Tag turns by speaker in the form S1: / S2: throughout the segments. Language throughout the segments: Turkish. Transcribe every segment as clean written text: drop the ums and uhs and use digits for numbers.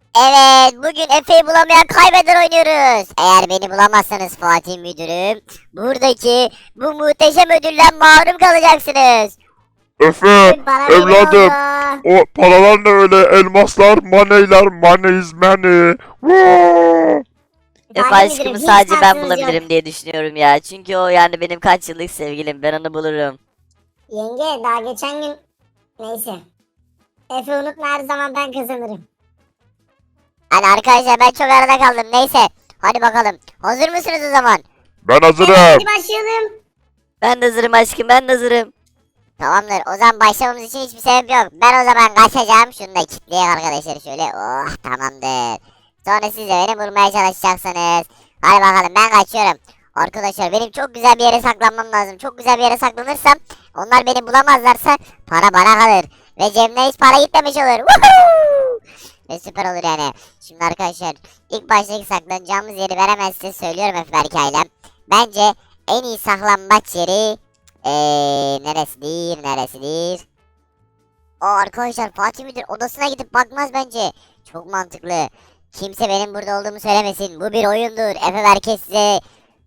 S1: Evet, bugün Efe'yi bulamayan kaybeder oynuyoruz. Eğer beni bulamazsanız Fatih Müdürüm, buradaki bu muhteşem ödülden mahrum kalacaksınız.
S2: Efe,
S1: Bana bir
S2: evladım.
S1: oldu.
S2: O paralar ne öyle? Elmaslar, maneyler, money is money. Woo!
S1: Fatih
S3: Aşkımı
S1: Müdürüm hiç
S3: sadece ben
S1: şansınız yok.
S3: bulabilirim diye düşünüyorum ya. Çünkü o yani benim kaç yıllık sevgilim. Ben onu bulurum.
S4: Yenge daha geçen gün neyse. Efe unutma her zaman ben kazanırım.
S1: Hadi arkadaşlar ben çok arada kaldım. Neyse, hadi bakalım. Hazır mısınız o zaman?
S2: Ben
S4: Evet
S2: hazırım.
S4: hadi başlayalım.
S3: Ben de hazırım aşkım, ben de hazırım.
S1: Tamamdır. O zaman başlamamız için hiçbir sebep yok. Ben o zaman kaçacağım. Şunu da kilitleyeyim arkadaşlar şöyle. Oh, tamamdır. Sonra siz de beni bulmaya çalışacaksınız. Hadi bakalım ben kaçıyorum. Arkadaşlar benim çok güzel bir yere saklanmam lazım. Çok güzel bir yere saklanırsam onlar beni bulamazlarsa para bana kalır. Ve cebimden hiç para gitmemiş olur. Woohoo! Ve süper olur yani. Şimdi arkadaşlar ilk baştaki saklanacağımız yeri veremez size söylüyorum Efe Berkay'la. Bence en iyi saklanmaç yeri neresidir? Arkadaşlar Fatih Müdür odasına gidip bakmaz bence. Çok mantıklı. Kimse benim burada olduğumu söylemesin. Bu bir oyundur. Efe herkes size.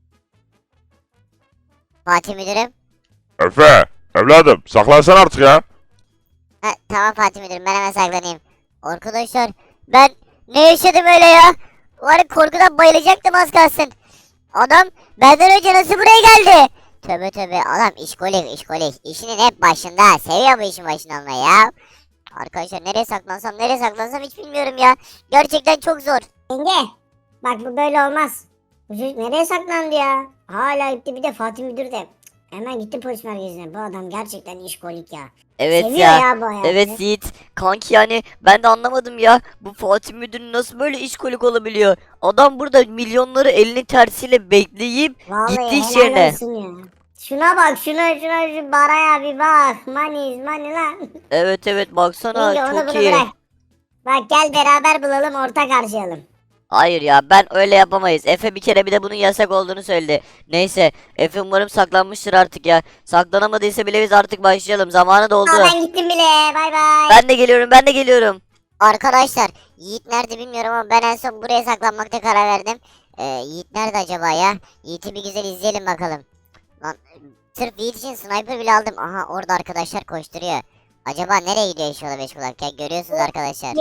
S1: Fatih Müdürüm.
S2: Efe, evladım saklansana artık ya.
S1: Tamam Fatih Müdürüm ben hemen saklanayım. Arkadaşlar ben ne yaşadım öyle ya? Var ya, korkudan bayılacaktım az kalsın. Adam benden önce nasıl buraya geldi? Tövbe tövbe adam işkolik. İşinin hep başında. Seviyor bu işin başında olmayı ya. Arkadaşlar nereye saklansam hiç bilmiyorum ya. Gerçekten çok zor.
S4: Yenge bak bu böyle olmaz. Bu çocuk nereye saklandı ya? Hala gitti bir de Fatih Müdür de. Hemen gitti polis merkezine. Bu adam gerçekten işkolik ya.
S3: Evet
S4: Seviyor
S3: ya.
S4: ya bu hayatı.
S3: Evet Yiğit. Kanki yani ben de anlamadım ya. Bu Fatih Müdür nasıl böyle işkolik olabiliyor? Adam burada milyonları elinin tersiyle bekleyip
S4: Vallahi
S3: gitti iş
S4: helal
S3: yerine.
S4: olsun ya. Şuna bak şuna şu baraya bir bak. Money is money lan.
S3: Evet baksana
S4: Yenge onu
S3: çok
S4: bunu
S3: iyi.
S4: bırak. Bak gel beraber bulalım ortak harcayalım.
S3: Hayır ya ben öyle yapamayız. Efe bir kere bir de bunun yasak olduğunu söyledi. Neyse Efe umarım saklanmıştır artık ya. Saklanamadıysa bile biz artık başlayalım. Zamanı doldu.
S4: Aa, ben gittim bile. Bay bay.
S3: Ben de geliyorum.
S1: Arkadaşlar Yiğit nerede bilmiyorum ama ben en son buraya saklanmakta karar verdim. Yiğit nerede acaba ya? Yiğit'i bir güzel izleyelim bakalım. Lan sırf Yiğit için sniper bile aldım. Aha orada arkadaşlar koşturuyor. Acaba nereye gidiyor inşallah beş kulak ya? Görüyorsunuz arkadaşlar.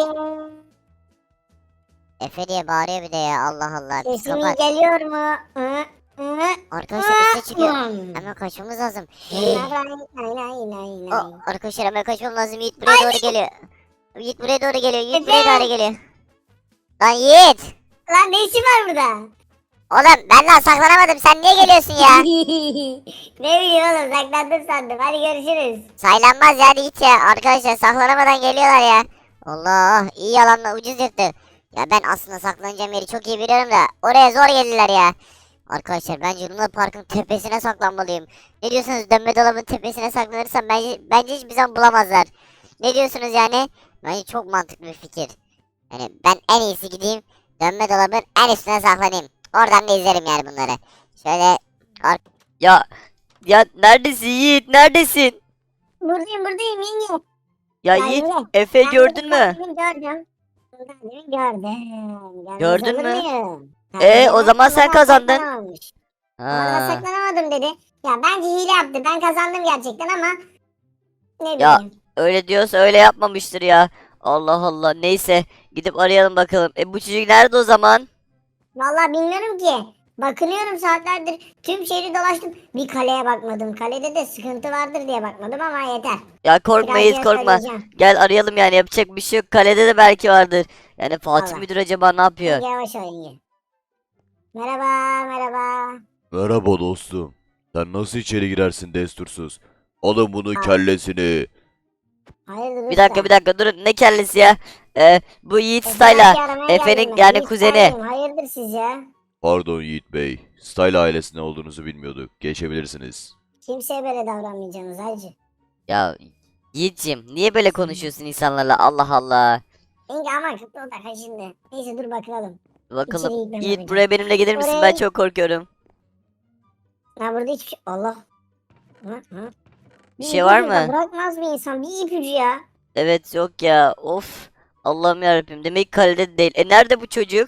S1: Efe diye bağırıyor bir de ya Allah Allah.
S4: Sesim iyi
S1: Psikopat.
S4: geliyor mu? Hı, hı,
S1: Arkadaşlar üste çıkıyor.
S4: hı.
S1: Hemen kaçmamız lazım.
S4: Nay, nay, nay, nay.
S1: Arkadaşlar hemen kaçmam lazım. Yiğit buraya doğru geliyor. Yiğit buraya doğru geliyor. Yiğit buraya doğru geliyor. Lan Yiğit.
S4: Lan ne işin var burada?
S1: Oğlum ben daha saklanamadım. Sen niye geliyorsun ya?
S4: Ne bileyim oğlum saklandım sandım. Hadi görüşürüz.
S1: Saylanmaz ya hadi git ya. Arkadaşlar saklanamadan geliyorlar ya. Allah iyi yalanla ucuz yırttı. Ya ben aslında saklanacağım yeri çok iyi biliyorum da oraya zor geldiler ya. Arkadaşlar bence Luna Park'ın tepesine saklanmalıyım. Ne diyorsunuz dönme dolabın tepesine saklanırsam bence hiçbir zaman bulamazlar. Ne diyorsunuz yani? Bence çok mantıklı bir fikir. Yani ben en iyisi gideyim dönme dolabın en üstüne saklanayım. Oradan da izlerim yani bunları. Şöyle
S3: Ya neredesin Yiğit? Neredesin?
S4: Buradayım yenge.
S3: Ya
S4: Ya
S3: Yiğit
S4: yenge,
S3: Efe
S4: ben
S3: gördün
S4: bunu
S3: mü?
S4: gördüm. Gördüm. Görmez
S3: Gördün
S4: olur
S3: mü?
S4: muyum?
S3: O zaman sen
S4: Orada
S3: kazandın.
S4: saklanamamış. Orada
S3: Ha.
S4: saklanamadım dedi. Ya bence hile yaptı. Ben kazandım gerçekten ama ne
S3: Ya
S4: bileyim.
S3: öyle diyorsa öyle yapmamıştır ya. Allah Allah. Neyse gidip arayalım bakalım. Bu çocuk nerede o zaman?
S4: Vallahi bilmiyorum ki. Bakınıyorum saatlerdir. Tüm şehri dolaştım. Bir kaleye bakmadım. Kalede de sıkıntı vardır diye bakmadım ama yeter.
S3: Ya korkma Yiğit,
S4: Birazcık
S3: korkma.
S4: söyleyeceğim.
S3: Gel arayalım yani, yapacak bir şey yok. Kalede de belki vardır. Yani Fatih
S4: Allah.
S3: Müdür acaba ne yapıyor?
S4: Yenge yavaş ol yenge. Merhaba merhaba.
S2: Merhaba dostum. Sen nasıl içeri girersin destursuz? Alın bunun
S4: Aa.
S2: kellesini.
S4: Hayırdır
S3: Bir dakika durun, ne kellesi ya? Bu Yiğit Style'a. Efe'nin yani kuzeni.
S4: Hayırdır siz ya?
S2: Pardon Yiğit Bey. Style ailesinde olduğunuzu bilmiyorduk. Geçebilirsiniz.
S4: Kimseye böyle davranmayacaksınız hacı.
S3: Ya Yiğit'cim niye böyle konuşuyorsun insanlarla? Allah Allah.
S4: Yenge aman kıtlı o da kaşındı. Neyse dur bakalım.
S3: Bakalım.
S4: İçeri gitmem
S3: Yiğit
S4: lazım.
S3: buraya benimle gelir misin? Ben
S4: Oraya-
S3: çok korkuyorum.
S4: Ha burada hiçbir şey... Allah. Hı.
S3: Bir şey var
S4: ipucu da
S3: mı?
S4: bırakmaz bir insan bir ipucu ya.
S3: Evet yok ya. Of. Allah'ım yarabbim, demek ki kalede değil. Nerede bu çocuk?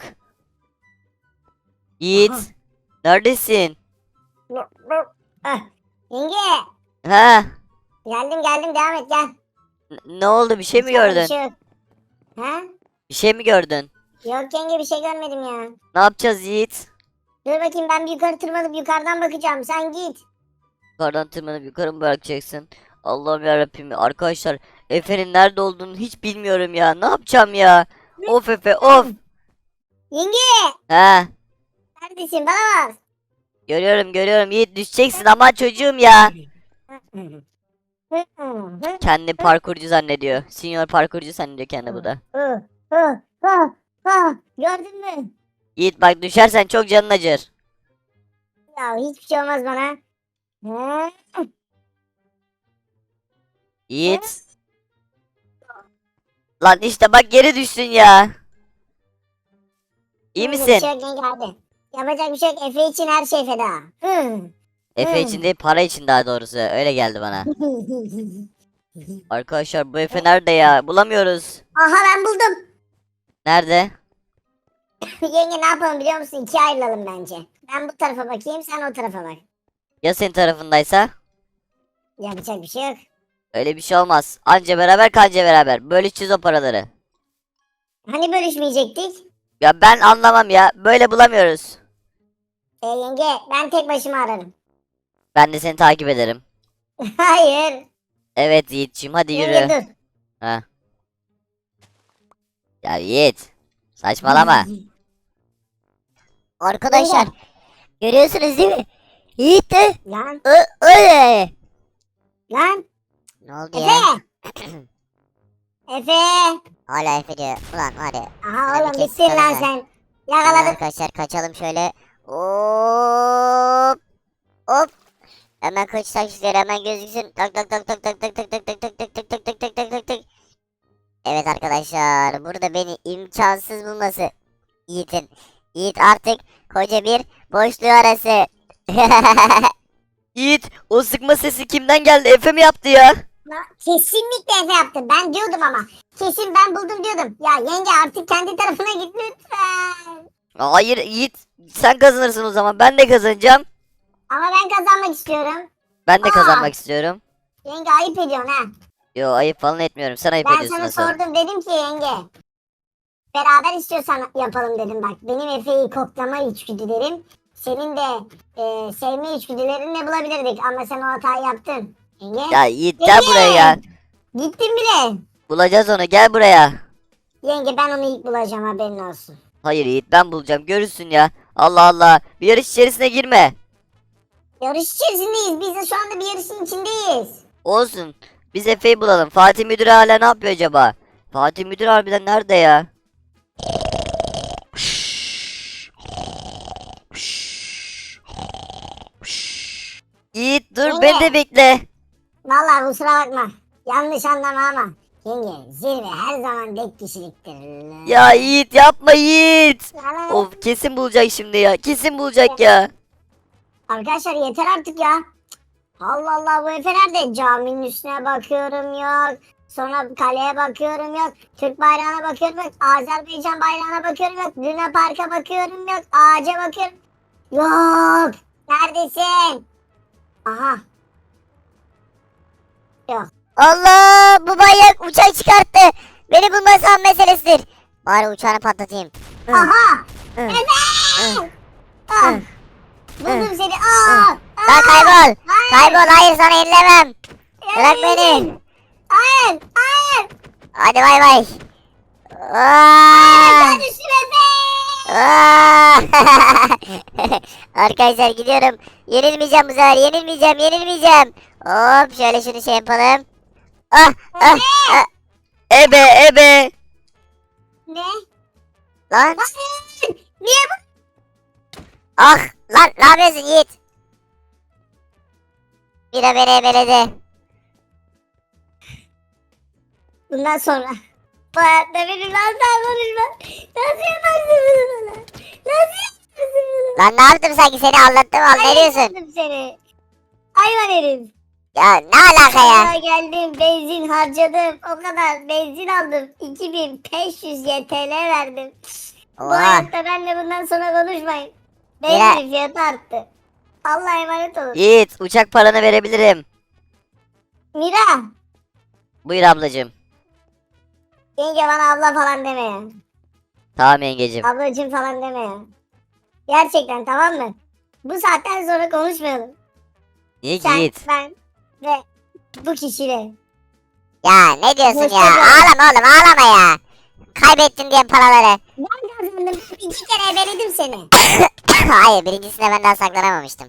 S3: Yiğit,
S4: Aha.
S3: neredesin?
S4: Ah, yenge.
S3: Ha?
S4: Geldim devam et gel.
S3: Ne oldu, bir şey mi
S4: İçeride bir
S3: gördün?
S4: şey yok. Ha?
S3: Bir şey mi gördün?
S4: Yok yenge bir şey görmedim ya.
S3: Ne yapacağız Yiğit?
S4: Dur bakayım ben bir yukarı tırmanıp yukarıdan bakacağım. Sen git.
S3: Yukarıdan tırmanıp yukarı mı bırakacaksın? Allah'ım yarabbim, arkadaşlar Efe'nin nerede olduğunu hiç bilmiyorum ya. Ne yapacağım ya? Of Efe, of.
S4: Yenge
S3: He,
S4: neredesin bana bak.
S3: görüyorum Yiğit, düşeceksin ama çocuğum ya. Kendi parkurcu zannediyor. Senior parkurcu zannediyor kendi bu da.
S4: Gördün mü?
S3: Yiğit bak, düşersen çok canın acır.
S4: Ya hiçbir şey olmaz bana. Ha?
S3: Yiğit. Lan işte bak, geri düştün ya. İyi
S4: Yapacak bir
S3: misin?
S4: şey yok yenge hadi. Yapacak bir şey yok. Efe için her şey feda.
S3: Efe için değil, para için daha doğrusu. Öyle geldi bana. Arkadaşlar bu Efe nerede ya? Bulamıyoruz.
S4: Aha ben buldum.
S3: Nerede?
S4: Yenge ne yapalım biliyor musun? İkiye ayrılalım bence. Ben bu tarafa bakayım sen o tarafa bak.
S3: Ya senin tarafındaysa?
S4: Yapacak bir şey yok.
S3: Öyle bir şey olmaz. Anca beraber kanca beraber. Bölüşeceğiz o paraları.
S4: Hani bölüşmeyecektik?
S3: Ya ben anlamam ya. Böyle bulamıyoruz.
S4: Yenge ben tek başıma ararım.
S3: Ben de seni takip ederim.
S4: Hayır.
S3: Evet Yiğit'ciğim, hadi
S4: Yenge
S3: yürü.
S4: dur.
S3: Ha. Ya Yiğit. Saçmalama.
S1: Arkadaşlar görüyorsunuz değil mi? Yiğit de
S4: Lan
S1: öyle.
S4: lan.
S1: Ne oldu ya?
S4: Efe. Efe.
S1: Hala Efe diyor. Ulan hadi.
S4: Aha
S1: Hadi
S4: oğlum
S1: kes
S4: bittin lan
S1: karını.
S4: sen.
S1: Tamam
S4: Yakaladım.
S1: arkadaşlar, kaçalım şöyle. Hop. Hop. Hemen kaç taşları hemen gözüksün. Tak tak tak tak tak tak tak tak tak tak tak tak tak tak tak tak tak tak. Evet arkadaşlar, burada beni imkansız bulması Yiğit'in. Yiğit artık koca bir boşluğu arası.
S3: Yiğit, o sıkma sesi kimden geldi? Efe mi yaptı ya?
S4: Kesinlikle Efe yaptı. Ben diyordum ama. Kesin ben buldum diyordum. Ya yenge artık kendi tarafına git lütfen.
S3: Hayır Yiğit, sen kazanırsın o zaman. Ben de kazanacağım.
S4: Ama ben kazanmak istiyorum.
S3: Ben de
S4: Aa.
S3: kazanmak istiyorum.
S4: Yenge ayıp ediyorsun ha.
S3: Yo, ayıp falan etmiyorum. Sen ayıp
S4: Ben
S3: ediyorsun
S4: sana
S3: asıl.
S4: sordum dedim ki yenge. Beraber istiyorsan yapalım dedim bak. Benim Efe'yi koklama içgüdülerim. Senin de sevme içgüdülerinle bulabilirdik. Ama sen o hatayı yaptın. Yenge.
S3: Ya Yiğit, gel buraya ya.
S4: Gittin bile.
S3: Bulacağız onu, gel buraya.
S4: Yenge ben onu ilk bulacağım haberin olsun.
S3: Hayır Yiğit, ben bulacağım, görürsün ya. Allah Allah, bir yarış içerisine girme.
S4: Yarış içerisindeyiz. Biz de şu anda bir yarışın içindeyiz.
S3: Olsun, biz Efe'yi bulalım. Fatih Müdür hala ne yapıyor acaba? Fatih Müdür harbiden nerede ya? Yiğit dur, beni de bekle.
S4: Vallahi kusura bakma. Yanlış anlama ama. Yenge zirve her zaman tek kişiliktir.
S3: Ya Yiğit, yapma Yiğit.
S4: Yani-
S3: Of, kesin bulacak şimdi ya. Kesin bulacak ya.
S4: Arkadaşlar yeter artık ya. Allah Allah bu Efe nerede? Caminin üstüne bakıyorum yok. Sonra kaleye bakıyorum yok. Türk bayrağına bakıyorum yok. Azerbaycan bayrağına bakıyorum yok. Luna Park'a bakıyorum yok. Ağaca bakıyorum. Yok. Neredesin? Aha. Yok.
S1: Allah, bu manyak uçak çıkarttı. Beni bulması an meselesidir. Bari uçağını patlatayım.
S4: Aha.
S1: Hı.
S4: Efe. Ah.
S1: Hı.
S4: Buldum seni. Aa.
S1: Lan kaybol.
S4: Hayır.
S1: Kaybol, hayır sana yenilemem. Bırak beni.
S4: Hayır. Hayır.
S1: Hadi bay bay.
S4: Hayır. Düştüm Efe.
S1: Aa! Arkadaşlar gidiyorum. Yenilmeyeceğim bu sefer. Yenilmeyeceğim. Hop şöyle şunu şey yapalım. Ah, ah, ah.
S3: Ebe ebe.
S4: Ne?
S1: Lan,
S4: Hayır. Niye bu?
S1: ah, lan ne yapıyorsun Yiğit? Bira beni ebeledi.
S4: Bundan sonra bu hayatta benim asla konuşma. Nasıl yaparsın bunu bana? Nasıl yaparsın bunu?
S1: Lan ne yaptım sanki, seni anlattım al, ne diyorsun?
S4: Yaptım seni. Hayvan herif.
S1: Ya ne alaka ya?
S4: Sonra geldim benzin harcadım. O kadar benzin aldım. 2500 YTL verdim. Bu
S1: Oha.
S4: hayatta benimle bundan sonra konuşmayın. Benzin fiyatı arttı. Allah'a emanet olun.
S3: Yiğit uçak paranı verebilirim.
S4: Mira.
S3: Buyur ablacığım.
S4: Yenge bana abla falan deme ya.
S3: Tamam yengecim.
S4: Ablacım falan deme ya. Gerçekten tamam mı? Bu saatten sonra konuşmayalım.
S3: Niye ki
S4: Sen,
S3: Yiğit?
S4: ben ve bu kişiyle.
S1: Ya ne diyorsun ya?
S4: Hoşçakalın.
S1: Ağlama oğlum ağlama ya. Kaybettin diye paraları.
S4: Ben kazandım. 2 kere ebeledim seni.
S1: Hayır birincisinde ben daha saklanamamıştım.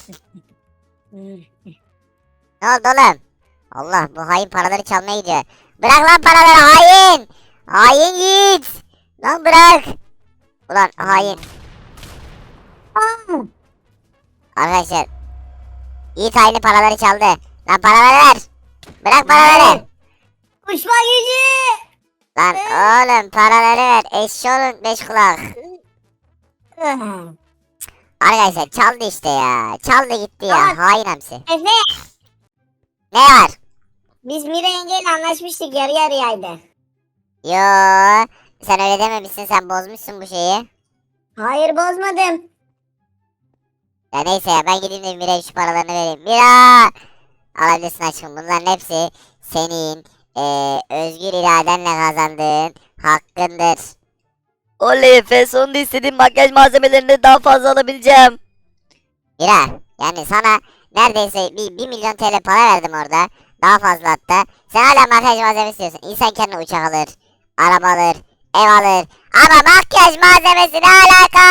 S1: Ne oldu oğlum? Allah bu hain paraları çalmaya gidiyor. Bırak lan paraları hain. Hain Yiğit. Lan bırak. Ulan hain. Arkadaşlar. Yiğit haini paraları çaldı. Lan paraları ver. Bırak paraları.
S4: Uçma gücü.
S1: Lan oğlum paraları ver. Eşşoğlum beş kulak. Arkadaşlar çaldı işte ya. Çaldı gitti ya.
S4: Tamam.
S1: Hain hamsi.
S4: Efe
S1: Ne var?
S4: biz Mira yengeyle anlaşmıştık yarı yarıyaydı.
S1: Yo. Sen öyle dememişsin. Sen bozmuşsun bu şeyi.
S4: Hayır bozmadım.
S1: Ya neyse ya ben gideyim de Mira'ya şu paralarını vereyim. Mira! Alabilirsin aşkım. Bunların hepsi senin özgür iradenle kazandığın hakkındır.
S3: Oley Efe sonunda istediğim makyaj malzemelerini daha fazla alabileceğim.
S1: Mira yani sana neredeyse bir milyon TL para verdim orada. Daha fazla hatta. Sen hala makyaj malzemesi istiyorsun. İnsan kendine uçak alır, araba alır, ev alır. Ama makyaj malzemesi ne alaka?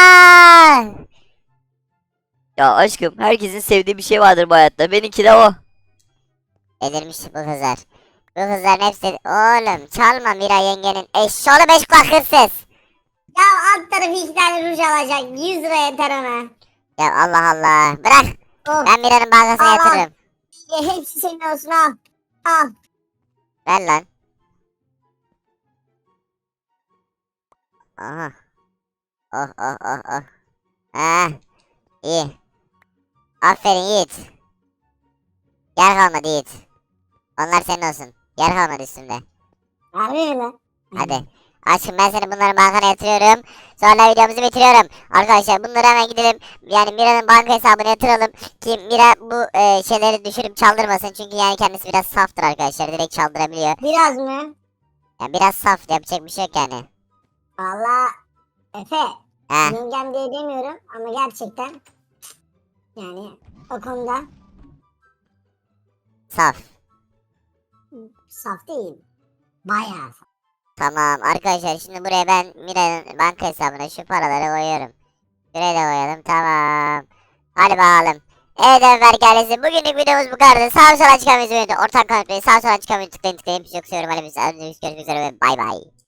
S3: Ya aşkım herkesin sevdiği bir şey vardır bu hayatta. Benimki de o.
S1: Delirmiş bu kızlar. Bu kızların hepsi... Oğlum çalma Mira yengenin eşşoğlu beş kulak hırsız.
S4: Ya alt tarafı 2 tane ruj alacak. 100 lira yeter ona.
S1: Ya Allah Allah. Bırak.
S4: Oh.
S1: Ben Mira'nın bankasına
S4: Al, al.
S1: yatırırım.
S4: Hepsi senin olsun al. Al.
S1: Ver lan. Aha. Oh oh oh oh. Ha. İyi. Aferin Yiğit. Yer kalmadı Yiğit. Onlar senin olsun. Yer kalmadı üstümde.
S4: Harbi mi lan?
S1: Hadi. Aşkım ben seni bunların bankana yatırıyorum. Sonra videomuzu bitiriyorum. Arkadaşlar bunları hemen gidelim. Yani Mira'nın banka hesabına yatıralım. Ki Mira bu şeyleri düşürüp çaldırmasın. Çünkü yani kendisi biraz saftır arkadaşlar. Direkt çaldırabiliyor.
S4: Biraz mı?
S1: Yani biraz saf. Yapacak bir şey yok yani.
S4: Valla Efe.
S1: He.
S4: Yengem diye demiyorum ama gerçekten yani o konuda
S1: Saf.
S4: saf değil. Bayağı saf.
S1: Tamam arkadaşlar şimdi buraya ben Mira'nın banka hesabına şu paraları koyuyorum. Şuraya da koyalım tamam. Hadi bakalım. Evet Ömer ailesi bugünlük videomuz bu kadardı. Sağ sola çıkan videoyu ortak kanıtlayın. Sağ sola çıkan videoyu tıklayın tıklayın. Çok seviyorum. Hadi biz görüşmek üzere ve bay bay.